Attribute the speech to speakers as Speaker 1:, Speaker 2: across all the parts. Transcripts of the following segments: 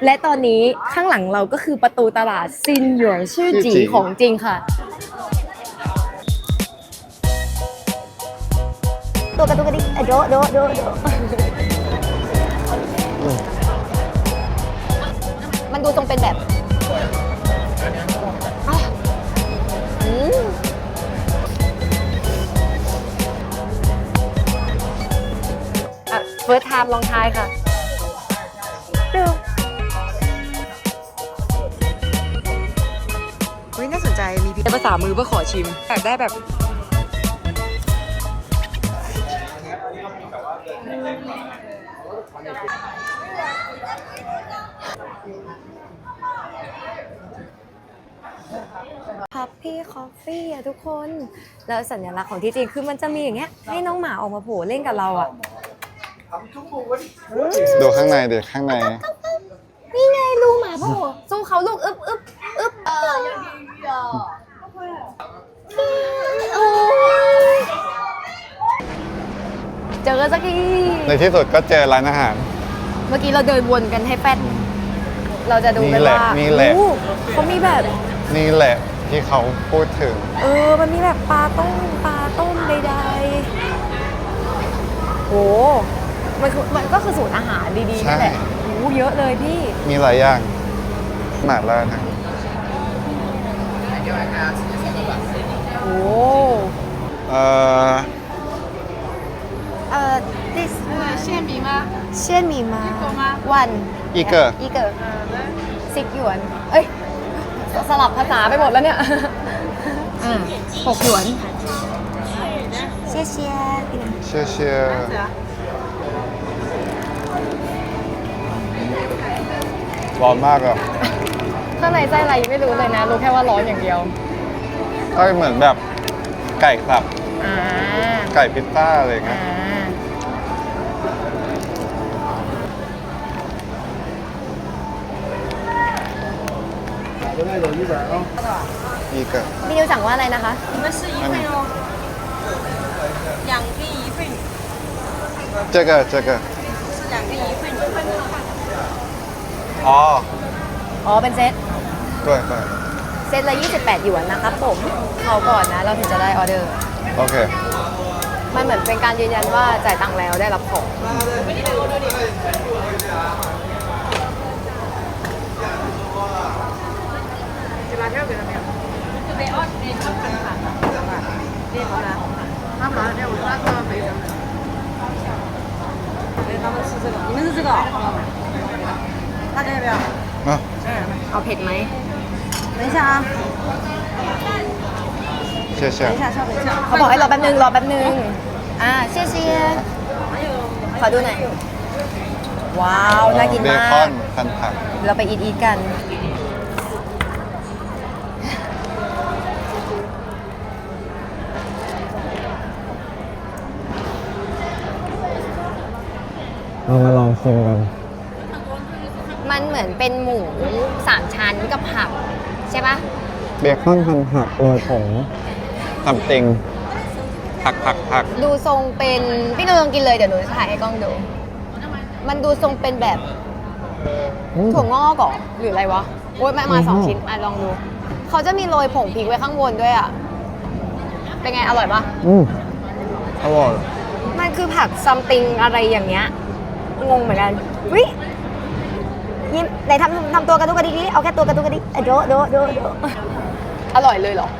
Speaker 1: และตอนนี้ข้างหลังเราก็คือประตูตลาดซินหยวนชื่อจีของจริงค่ะตัวกระตุกกระดิกโดโดโดโดมันดูทรงเป็นแบบเฟิร์สไทม์ลองทายค่ะดู
Speaker 2: เฮ้ยน่าสนใจมีภาษามือเพื่อขอชิมอยากได้แบบ
Speaker 1: พับพี่คอฟฟี่อะทุกคนแล้วสัญลักษณ์ของที่จริงคือมันจะมีอย่างเงี้ยให้น้องหมาออกมาโผล่เล่นกับเราอะ
Speaker 3: ดูข้างในดิข้างใน
Speaker 1: นี่ไงลูกหมาโผล่สู้เขาลูกอึ๊บอึ๊บอึ๊บโอ้ยเจอสักที
Speaker 3: ในที่สุดก็เจอร้านอาหาร
Speaker 1: เมื่อกี้เราเดินวนกันให้แป๊ดเราจะดูกันว่าเขามีแบบ
Speaker 3: นี่แหละที่เขาพูดถึง
Speaker 1: มันมีแบบปลาต้มใดๆโหมันก็คือสูตรอาหารดีๆนั่นแหละโหเยอะเลยพี่
Speaker 3: มีหลายอย่างหมาล่านะ
Speaker 1: โอ้this
Speaker 2: เช่นมีมา
Speaker 1: วัน
Speaker 3: อีเกอร์
Speaker 1: 10 หยวนเอ้ยสลับภาษาไปหมดแล้วเนี่ย6 หยวนเชียเชีย
Speaker 3: ร้อนมากอ่ะ
Speaker 1: ข้างในไส้อะไรไม่รู้เลยนะรู้แค่ว่าร้อนอย่างเดียว
Speaker 3: ก็เหมือนแบบไก่สับไก่พิซซ่าอะไรเงี้ย一个
Speaker 1: พี่นิวสั่งว่าอะไรนะคะ
Speaker 2: 两个一份
Speaker 3: 这个
Speaker 2: 是两个一份
Speaker 1: เป็นเซต
Speaker 3: 对
Speaker 1: เซตละ28 หยวนนะครับผมเขาก่อนนะเราถึงจะได้ออเดอร์
Speaker 3: โอเค
Speaker 1: มันเหมือนเป็นการยืนยันว่าจ่ายตังค์แล้วได้รับของ
Speaker 2: 你们是这个大家要不要
Speaker 1: เอาเผ็ดไหม
Speaker 2: 等一下啊
Speaker 3: 谢谢
Speaker 2: 等一下稍等一下
Speaker 1: เขาบอกให้รอแป๊บนึงเชี่ยขอดูหน่อยว้าวน่ากินมาก
Speaker 3: เบคอนพันผัก
Speaker 1: เราไปอีทกัน
Speaker 3: เรามาลองชิมกัน
Speaker 1: มันเหมือนเป็นหมู3 ชั้นกับผักใช่ปะ
Speaker 3: เบคอนพันผักโรยผงทำติงผัก
Speaker 1: ดูทรงเป็นพี่นุ้ยลองกินเลยเดี๋ยวหนูจะถ่ายให้กล้องดูมันดูทรงเป็นแบบถั่วงอกก่อหรืออะไรวะโอ๊ยมา2 ชิ้นลองดูเขาจะมีโรยผงพริกไว้ข้างบนด้วยอ่ะเป็นไงอร่อยปะ
Speaker 3: อร่อย
Speaker 1: มันคือผักซัมติงอะไรอย่างเงี้ยงงเหมือนกันวิยิ้มไหนทำตัวกระตุกกระดิกนี่เอาแค่ตัวกระตุกกระดิกโดอร่อยเลยเหรอ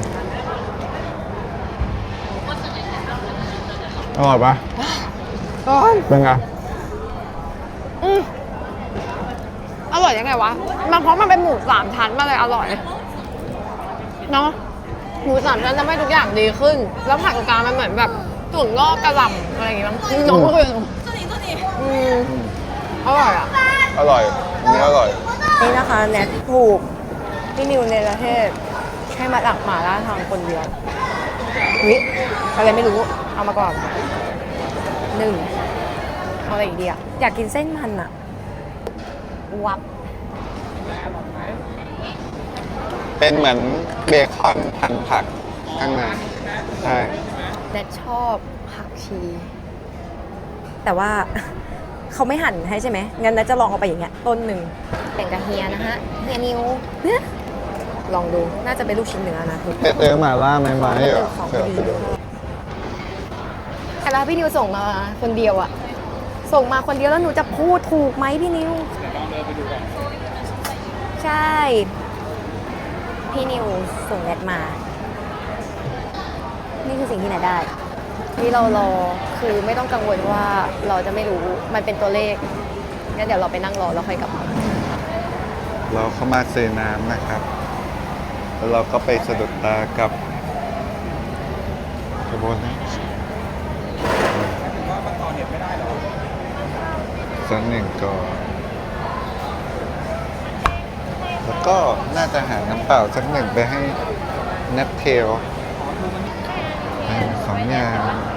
Speaker 3: อร่อยปะเป็นไง
Speaker 1: อร่อยยังไงวะมันเพราะมันเป็นหมู3 ชั้นมาเลยอร่อยเนาะหมู3 ชั้นทำให้ทุกอย่างดีขึ้นแล้วผักกลางมันเหมือนแบบถั่วงอกกระหล่ำอะไรอย่างเงี้ยน้องก็เลยอร่อยอ่ะ
Speaker 3: อร่อยนี่อร่อย
Speaker 1: นี่นะคะแนทถูกพี่นิวในประเทศให้มาหลักหมาล่าทางคนเดียววิอะไรไม่รู้เอามาก่อน1เอาอะไรอีกดีอ่ะอยากกินเส้นมันอ่ะวับ
Speaker 3: เป็นเหมือนเบคอนพันผักข้างในใช่
Speaker 1: แนทชอบผักชีแต่ว่า
Speaker 2: เขาไม่หั่นให้ใช่ไหมงั้นนะจะลองเอาไปอย่างเงี้ยต้นหนึ่ง
Speaker 1: แต่งกับเฮียนะฮะเฮียนิวลองดูน่าจะเป็นลูกชิ้นเนื้อนะทุก
Speaker 3: เจอหมาล่าไหมไหมเหรอ
Speaker 1: ของดีแต่แล้วพี่นิวส่งมาคนเดียวอะส่งมาคนเดียวแล้วหนูจะพูดถูกไหมพี่นิวใช่ พี่นิวส่งแอดมา นี่คือสิ่งที่ไหนได้ ที่เรารอคือไม่ต้องกังวลว่าเราจะไม่รู้มันเป็นตัวเลขงั้นเดี๋ยวเราไปนั่งรอแล้วค่อยกลับมา
Speaker 3: เราเข้ามาซื้อน้ำนะครับ แล้วเราก็ไปสะดุดตากับขบวนนี้สักหนึ่งก่อนแล้วก็น่าจะหาน้ำเปล่าสักหนึ่งไปให้นัทเทลสองอย่าง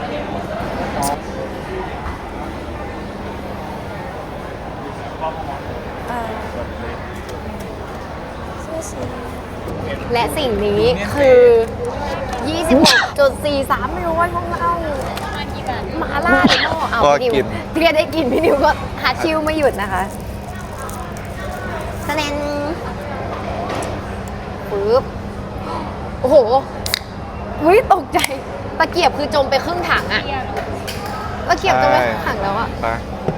Speaker 1: และสิ่งนี้คือ 26.43มิลลิของเราหมาล่าในหม้อเอา
Speaker 3: ก็
Speaker 1: พี่นิว
Speaker 3: กิน
Speaker 1: พี่เรียนได้กินพี่นิวก็หาชิวไม่หยุดนะคะสแนนปึ๊บโอ้โหอุ้ยตกใจตะเกียบคือจมไปครึ่งถังอะตะเกียบจมไปครึ่งถังแล้วอะ
Speaker 3: ไป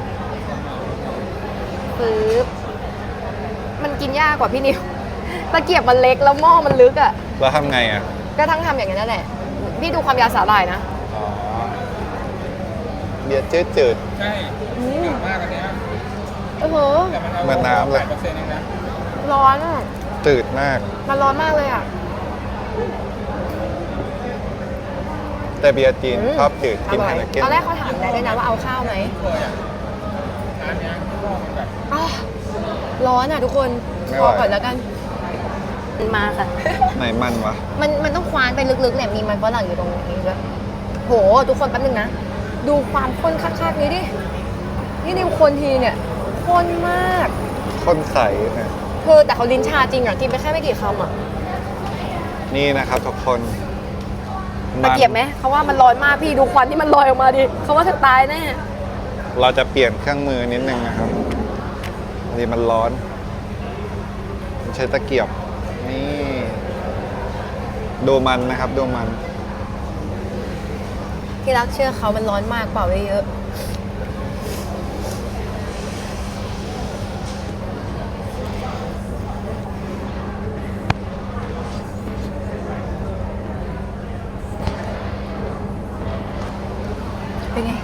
Speaker 1: ปึ๊บมันกินยากกว่าพี่นิวตะเกียบมันเล็กแล้วหม้อมันลึกอะ
Speaker 3: แล้วทำไงอ่ะ
Speaker 1: ก็ทั้งทำอย่างนั้นนั่นแหละพี่ดูความยาวสาหร่ายนะ
Speaker 3: อ๋อเบียร์จืด
Speaker 4: ใช่หนามากอันเนี้ย
Speaker 1: โอ้โห
Speaker 4: แต่มันเอา
Speaker 3: เหมือนน้ำเลย
Speaker 4: 8%เองนะ
Speaker 1: ร้อนอะ
Speaker 3: ๆจืดมาก
Speaker 1: มันร้อนมากเลยอะ
Speaker 3: แต่เบียร์จีนชอบจืด
Speaker 1: อ
Speaker 3: กิน
Speaker 1: ร่อ
Speaker 3: ไฮ
Speaker 1: ย
Speaker 3: เนเก้น
Speaker 1: ตอนแรกเขาถามได้ด้วยนะว่าเอาข้าวไหม
Speaker 4: เคยอ่ะร้านเนี้ยก็มันแบบ
Speaker 1: อ้าวร้อนอะทุกคนพอก่อนแล้วกันมาค่ะ
Speaker 3: ไหนมันวะ
Speaker 1: มันต้องคว้านไปลึกๆเนี่ยมีมันฝรั่งอยู่ตรงนี้ด้วยโหทุกคนแป๊บนึงนะดูความข้นคักๆนี้ดินี่นิวคนทีเนี่ยข้นมาก
Speaker 3: ข้นใสนะ
Speaker 1: เธอแต่เขาลิ้นชาจริงอะกินไปแค่ไม่กี่คำอะ
Speaker 3: นี่นะครับทุกคน
Speaker 1: ตะเกียบไหมเขาว่ามันร้อนมากพี่ดูควันที่มันลอยออกมาดิเขาว่าเธอตายแน่
Speaker 3: เราจะเปลี่ยนเครื่องมือนิดนึงนะครับนี่มันร้อนใช้ตะเกียบ นี่ ดูมันนะครับดูมัน
Speaker 1: ที่รักเชื่อเขามันร้อนมากเปล่าไว้เยอะเป็นไง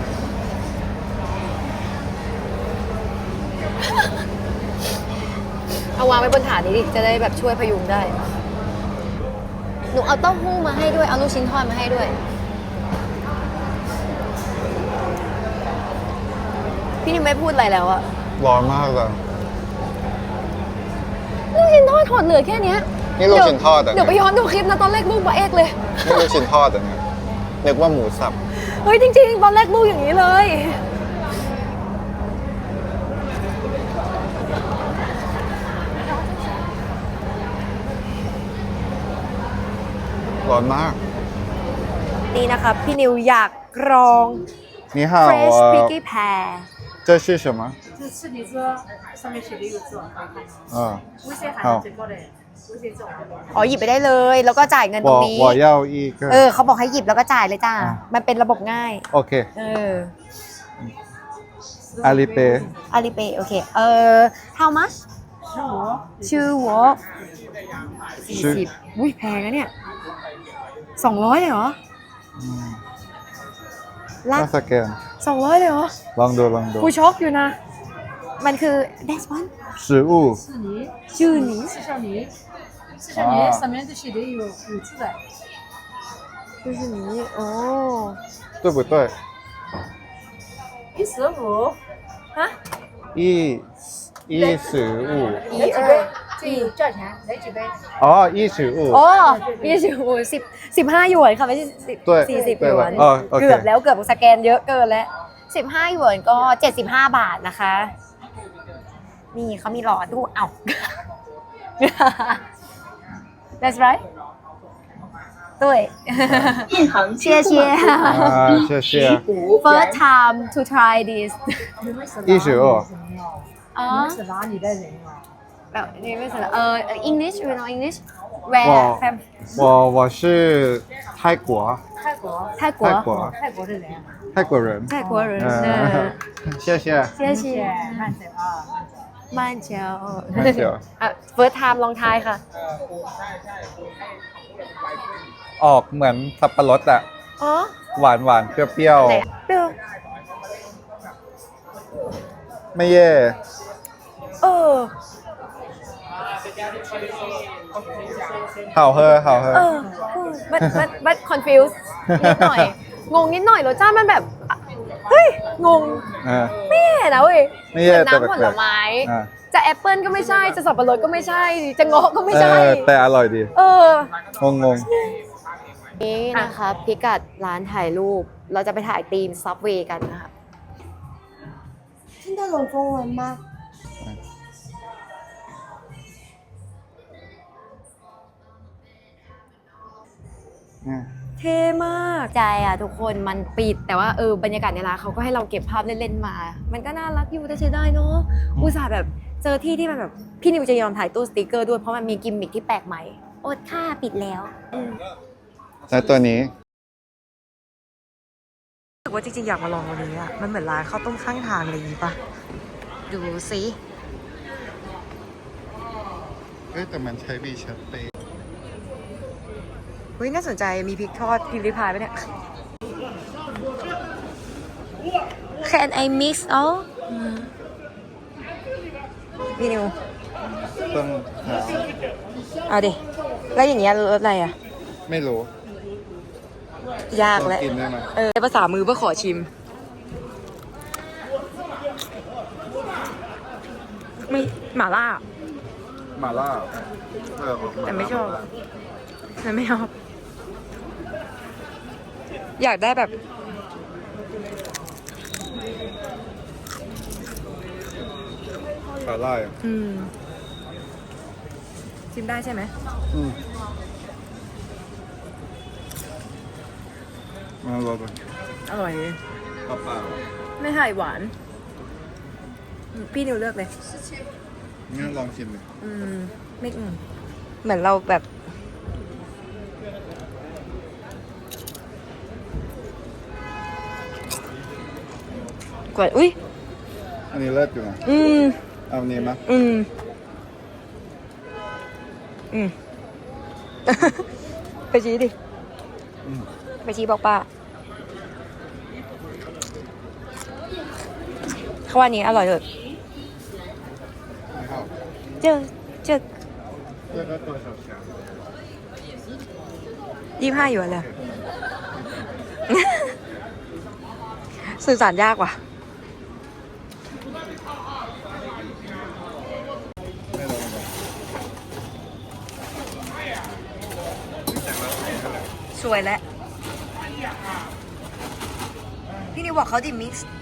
Speaker 1: เอาวางไว้บนถาดนี้ดิ จะได้แบบช่วยพยุงได้ หนูเอาเต้าหู้มาให้ด้วย เอาลูกชิ้นทอดมาให้ด้วย พี่นิวไม่พูดอะไรแล้วอะ
Speaker 3: ร้อนมากเลย
Speaker 1: ลูกชิ้นทอดถอดเหลือแค่เนี้ย
Speaker 3: นี่ลูกชิ้นทอดเหรอ
Speaker 1: เดี๋ยวไปย้อนดูคลิปนะตอนแรกลูกมาเอกเลย
Speaker 3: นี่ลูกชิ้นทอดเหรอเนี่ยนึกว่าหมูสับ
Speaker 1: เฮ้ยจริงๆ ตอนแรกลูกอย่างนี้เลย
Speaker 3: ร้อนมาก
Speaker 1: นี่นะคะพี่นิวอยากลอง
Speaker 3: นี่ฮาว
Speaker 1: Fresh Piggy Pear
Speaker 3: 这是什么
Speaker 5: 这是你这上面写的一个字，可以看到。
Speaker 3: 啊
Speaker 5: 微信还是这个的，微信这种。
Speaker 1: อ๋อหยิบไปได้เลย แล้วก็จ่ายเงินตรงนี้
Speaker 3: 我要一个
Speaker 1: เขาบอกให้หยิบแล้วก็จ่ายเลยจ้า
Speaker 3: อ่ะ
Speaker 1: มันเป็นระบบง่าย
Speaker 3: OK 阿里贝
Speaker 1: อาลีเปย์โอเค how much ชื่อวอ40อุ้ยแพงนะเนี่ย200เลยเหรอลัก
Speaker 3: น่าสแกน
Speaker 1: 200เลยเหรอ
Speaker 3: ลองดูลองดู
Speaker 1: กูช็อกอยู่นะ มันคือ that's one
Speaker 3: 食物
Speaker 5: 是你，
Speaker 1: ชื่อนี้
Speaker 5: 是像你，是像你，上面这写的有五字的。
Speaker 1: ชื่อนี้โอ้
Speaker 3: 对不对
Speaker 5: 15，
Speaker 1: ฮะ
Speaker 3: 一15
Speaker 1: 一
Speaker 5: 来几杯？这有价钱，来几杯？
Speaker 3: 哦15
Speaker 1: โอ้15หยวนค่ะไม่ใช่
Speaker 3: ด้วย
Speaker 1: 40ห
Speaker 3: ด้วย
Speaker 1: ยวน
Speaker 3: โอเค
Speaker 1: เกือบแล้วเกือบสแกนเยอะเกินแล้ว15หยวนก็75 บาทนะคะ นี่เขามีหลอดดูเอ้า That's right 对谢谢
Speaker 3: 谢谢
Speaker 1: first time to try this
Speaker 3: 12
Speaker 1: 啊
Speaker 5: 是哪里的人啊？
Speaker 1: 你为什么English you know English where from
Speaker 3: 我是泰国
Speaker 5: 泰国，
Speaker 1: 泰国
Speaker 5: 泰国的人啊。
Speaker 3: 泰国人
Speaker 1: 泰国人
Speaker 3: 谢谢
Speaker 1: 谢谢
Speaker 5: 慢走啊。
Speaker 1: 慢走
Speaker 3: 慢走
Speaker 1: first time ลองทายค่ะ
Speaker 3: ออกเหมือนสับปะรดอะ
Speaker 1: อ๋อ
Speaker 3: หวานเปรี้ยว
Speaker 1: ไหนเปรี้ยว
Speaker 3: ๆไม่แย่
Speaker 1: เออ
Speaker 3: เห่าเฮอ
Speaker 1: but confused นิดหน่อย งงนิดหน่อยรสชาติมันแบบ เฮ้ย งง ไม่แย่นะเว้ย
Speaker 3: ไม่
Speaker 1: เห
Speaker 3: แย่
Speaker 1: มือน
Speaker 3: แต่
Speaker 1: น้ำผลไม้
Speaker 3: อ่า
Speaker 1: จะแอปเปิลก็ไม่ใช่ จะสับปะรดก็ไม่ใช่ จะเงาะก็ไม่ใช่
Speaker 3: แต่อร่อยดี
Speaker 1: เออ
Speaker 3: งง
Speaker 1: นี่นะคะพิกัดร้านถ่ายรูป เราจะไปถ่ายธีมซับเวย์กันนะคะ听得懂中文吗เท่มากใจอ่ะทุกคนมันปิดแต่ว่าบรรยากาศในร้านเขาก็ให้เราเก็บภาพเล่นๆมา มันก็น่ารักอยู่แต่ใช้ได้เนาะอุตส่าห์แบบเจอที่ที่มันแบบพี่นิวจะยอมถ่ายตู้สติกเกอร์ด้วยเพราะมันมีกิมมิคที่แปลกใหม่อดค่าปิดแล้ว
Speaker 3: ๆแล้วตัวนี้
Speaker 2: รู้สึกว่าจริงๆอยากมาลองวันนี้อ่ะมันเหมือนร้านข้าวต้มข้างทางอะไรอย่างงี้ปะดูสิ
Speaker 3: แต่มันใช้บีชัตเต้
Speaker 2: เฮ้ยน่าสนใจมีพริกทอดพิมพ์ริพายปะเนี่ย
Speaker 1: Can I mix all
Speaker 2: พี่นิว
Speaker 3: ต้องหา
Speaker 2: เอาดิแล้วอย่างเงี้ยรสอะไรอ่ะ
Speaker 3: ไม่รู้
Speaker 2: ยากแหละ
Speaker 3: ต้องกินได้ไหม
Speaker 2: ภาษามือเพื่อขอชิม ไม่หม่าล่า
Speaker 3: หม่าล่า
Speaker 2: แต่ไม่ชอบแต่ไม่ชอบ อยากได้แบบ
Speaker 3: หม่าล่า
Speaker 2: ชิมได้ใช่ไหม
Speaker 3: มาลองกัน
Speaker 2: อร่อยเลย
Speaker 3: เปล่า
Speaker 2: ไม่ไข่หวาน พี่นิวเลือกเลย
Speaker 3: ๆงั้นลองชิมเลย
Speaker 2: ไม่เหมือนเราแบบกว่าอุ้ย
Speaker 3: อันนี้เลิศอยู่นะเอาอันนี้มั้ย
Speaker 2: ไปชี้ดิ ไปชี้บอกป้าเขาว่านี้อร่อยเลย
Speaker 3: ไม่เข้า
Speaker 2: เจอ
Speaker 3: เลือกตัวชา
Speaker 2: 25อยู่เลย สื่อสารยากว่ะ
Speaker 3: ไม่ลองกัน
Speaker 2: สวยแล้ว พี่นิวบอกเขาดิมิกซ์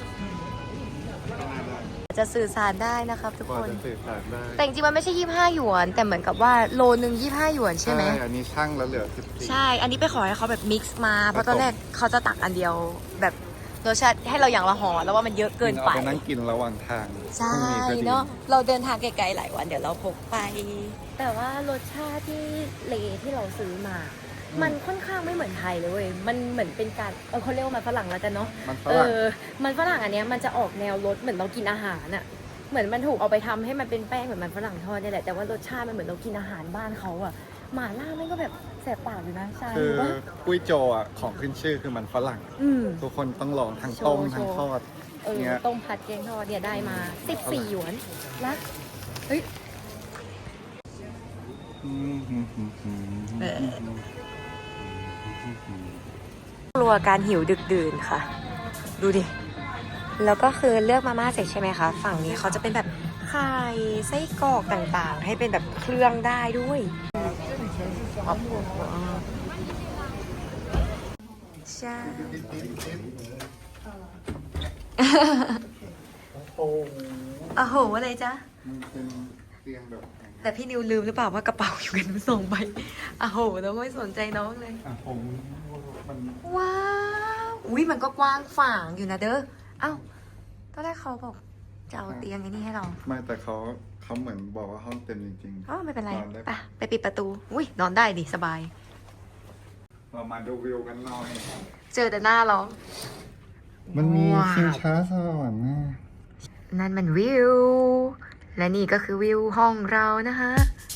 Speaker 2: จะสื่อสารได้นะครับทุก
Speaker 3: พอ
Speaker 2: คน
Speaker 3: จะสื่อสารได้
Speaker 2: แต่จริงๆมันไม่ใช่25หยวน แต่เหมือนกับว่าโลนึง25หยวนใช่ไหม
Speaker 3: อันนี้ช่างแล้วเหลือ14
Speaker 2: ใช่ อันนี้ไปขอให้เขาแบบมิกซ์มา เพราะตอนแรกเขาจะตักอันเดียวแบบรสชาติให้เราอย่างละห่อแล้วว่ามันเยอะเกินไป
Speaker 3: เอาไปนั่งกินระหว่างทาง
Speaker 2: ใช่
Speaker 3: พรุ่งก็ดี
Speaker 2: เนาะเราเดินทางไกลๆหลายวันเดี๋ยวเราพกไป แต่ว่ารสชาติที่เลที่เราซื้อมา มันค่อนข้างไม่เหมือนไทยเลยเว้ยมันเหมือนเป็นการเขาเรียกว่ามันฝรั่งแล้วกันเนาะ
Speaker 3: มันฝรั่ง
Speaker 2: มันฝรั่งอันเนี้ยมันจะออกแนวรสเหมือนเรากินอาหารอะเหมือนมันถูกเอาไปทำให้มันเป็นแป้งเหมือนมันฝรั่งทอดเนี่ยแหละแต่ว่ารสชาติมันเหมือนเรากินอาหารบ้านเขาอะหม่าล่ามันก็แบบแสบปากอยู่นะใช่
Speaker 3: คือ
Speaker 2: ว่า
Speaker 3: กุ้ยโจอ่ะของขึ้นชื่อคือมันฝรั่ง ทุกคนต้องลองทั้งต้มทั้งทอดเงี้ย
Speaker 2: ต้มผัดแกงทอดเนี่ยได้มา14หยวนแล้วเฮ้ย กลัวการหิวดึกดื่นค่ะ ดูดิ แล้วก็คือเลือกมาม่าเสร็จใช่ไหมคะ ฝั่งนี้เขาจะเป็นแบบไข่ไส้กรอกต่างๆ ให้เป็นแบบเครื่องได้ด้วยใช่โอ้โหอะไรจ๊ะ
Speaker 3: เตียงแบบ
Speaker 2: แต่พี่นิวลืมหรือเปล่าว่ากระเป๋าอยู่กันสองใบอ้าวโหแล้วไม่สนใจน้องเลย
Speaker 3: ผมมัน
Speaker 2: ว้าวอุ้ยมันก็กว้างฝางอยู่นะเด้อเอ้าตอนแรกเขาบอกจะเอาเตียงไอ้นี่ให้เรา
Speaker 3: ไม่แต่เขาเหมือนบอกว่าห้องเต็มจริง
Speaker 2: อ๋อไม่เป็นไร
Speaker 3: นอนได้
Speaker 2: ไปปิดประตูอุ้ยนอนได้ดิสบาย
Speaker 3: ๆเรามาดูวิวกันหน่อย
Speaker 2: เจอแต่หน้าเรา
Speaker 3: มันมี
Speaker 2: ว้าว
Speaker 3: ชิงช้าสวรรค์นะ
Speaker 2: นั่นมันวิว และนี่ก็คือวิวห้องเรานะคะ